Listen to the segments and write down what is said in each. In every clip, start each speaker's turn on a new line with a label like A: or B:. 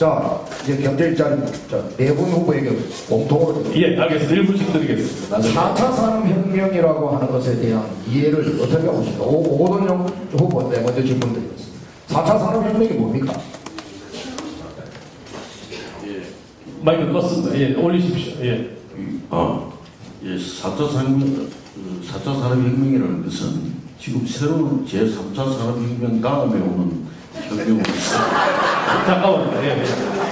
A: 자, 이제 경제일자리 네 분 후보에게 공통으로
B: 예, 알겠습니다. 1분씩 드리겠습니다.
A: 4차 산업혁명이라고 하는 것에 대한 이해를 어떻게 하고 있습니까? 오건영 후보인데 먼저 질문 드리겠습니다. 4차 산업혁명이 뭡니까?
B: 마이크 껐습니다. 예, 올리십시오. 예.
C: 예, 4차 산업혁명이라는 것은 지금 새로운 제3차 산업혁명 다음에 오는 혁명으로서
B: 잠깐만요. 예.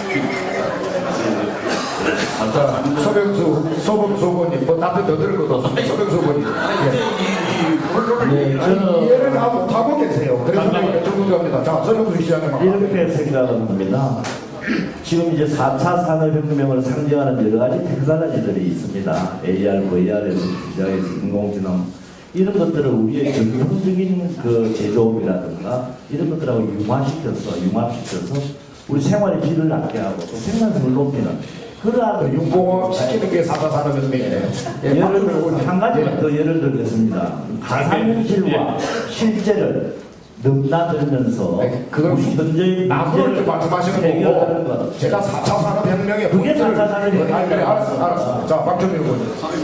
C: 4차 산업
A: 서병수 후보님, 뭐 답변 더 들을 것도 없습니다. 서병수 후보님. 예. 이해를 다 못하고 계세요. 그래서 제가 정리합니다. 자, 서병수 시장님.
D: 이렇게 생각합니다. 지금 이제 4차 산업혁명을 상징하는 여러 가지 테크놀로지들이 있습니다. AR, VR에서 시작해서 인공지능 이런 것들을 우리의 전형적인 그 제조업이라든가 이런 것들하고 융합시켜서 우리 생활의 질을 낮게 하고 또 생산성을 높이는 그러한
A: 융공업 시키는 게 4차 산업혁명이네요. 예,
D: 예를 들어 한 가지만 더 예를 들겠습니다. 가상현실과 실제를 넘나들면서
A: 네, 그건
D: 우리 현재의
A: 남으로 이렇게 말씀하시는
D: 해결하는
A: 거고
D: 것.
A: 제가 4차 산업혁명의
D: 그게
A: 본질을
D: 4차 산업혁명이에요.
A: 아니, 그래, 알았어. 자, 박정민 후보님.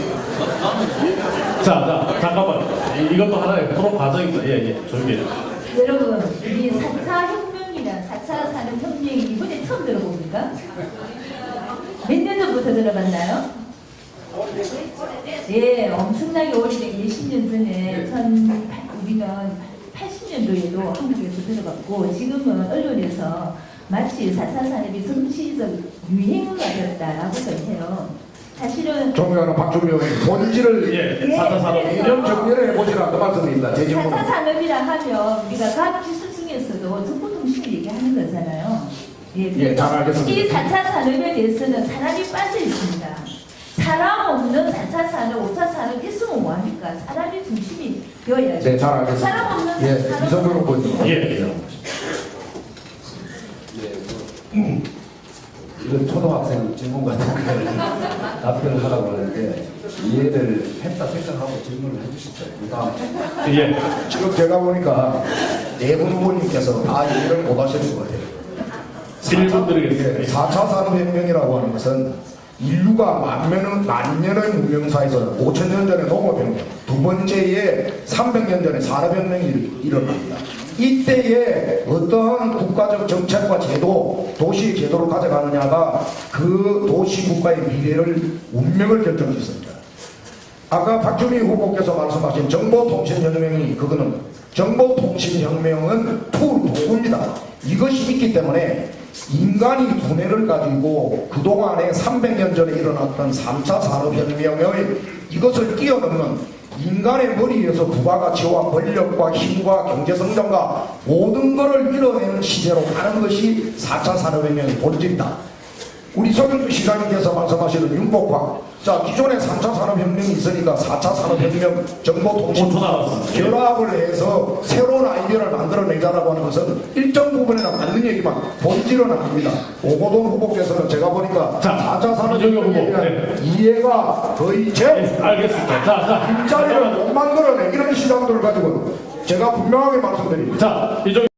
B: 자, 잠깐만. 이것도 하나의 토론 과정입니다. 예, 조용히 해요.
E: 여러분, 이 4차 혁명이나 4차 산업혁명이 이번에 처음 들어봅니까? 몇 년 전부터 들어봤나요? 예, 엄청나게 오래된 20년 전에 우리는 80년도에도 한국에서 들어봤고 지금은 언론에서 마치 4차 산업이 정치적 유행어가 되었다라고 해요. 사실은
A: 존경하는 박준미 의원님, 본질을
B: 예, 4차 산업.
A: 이념 정리를 해보시라 그 말씀입니다. 제 질문.
E: 4차 산업이라 하면 우리가 과학기술 중에서도 정보통신을 얘기하는 거잖아요.
A: 예, 잘 알겠습니다.
E: 이 4차 산업에 대해서는 사람이 빠져 있습니다. 사람 없는 4차 산업, 5차 산업 있으면 뭐합니까? 사람이 중심이 되어야죠.
A: 네, 잘 알겠습니다.
E: 사람 없는
A: 예,
E: 산업
A: 이성근 후보님.
B: 예.
F: 이런 초등학생 질문 같은 걸 답변을 하라고 하는데 이해를 했다 생각하고 질문을 해주시죠. 그다음
B: 예.
A: 지금 제가 보니까 네 분 후보님께서 다 이해를 못 하시는 것 같아요.
B: 1분 드리겠습니다.
A: 4차 산업혁명이라고 하는 것은 인류가 만년의 문명사에서 5천년 전에 농업혁명, 두 번째에 300년 전에 산업혁명이 일어납니다. 이때에 어떠한 국가적 정책과 제도, 도시 제도를 가져가느냐가 그 도시 국가의 미래를, 운명을 결정짓습니다. 아까 박준희 후보께서 말씀하신 정보통신혁명이 그거는 정보통신혁명은 도구입니다. 이것이 있기 때문에 인간이 두뇌를 가지고 그동안에 300년 전에 일어났던 3차 산업혁명의 이것을 뛰어넘는 인간의 머리에서 부가가치와 권력과 힘과 경제성장과 모든 것을 이뤄내는 시대로 가는 것이 4차 산업혁명의 본질이다. 우리 서경주 시장님께서 말씀하시는 융복화. 자, 기존에 3차 산업혁명이 있으니까 4차 산업혁명 정보통신
B: 5초 남았습니다.
A: 결합을 해서 새로운 아이디어를 만들어내자라고 하는 것은 일정 부분에는 맞는 얘기만 본질은 아닙니다. 오고돈 후보께서는 제가 보니까
B: 자,
A: 4차 산업혁명에
B: 이정현 후보,
A: 대한 이해가 거의 제
B: 알겠습니다. 자.
A: 일자리를 못 만들어내 이런 시장들을 가지고 제가 분명하게 말씀드립니다.
B: 자, 이정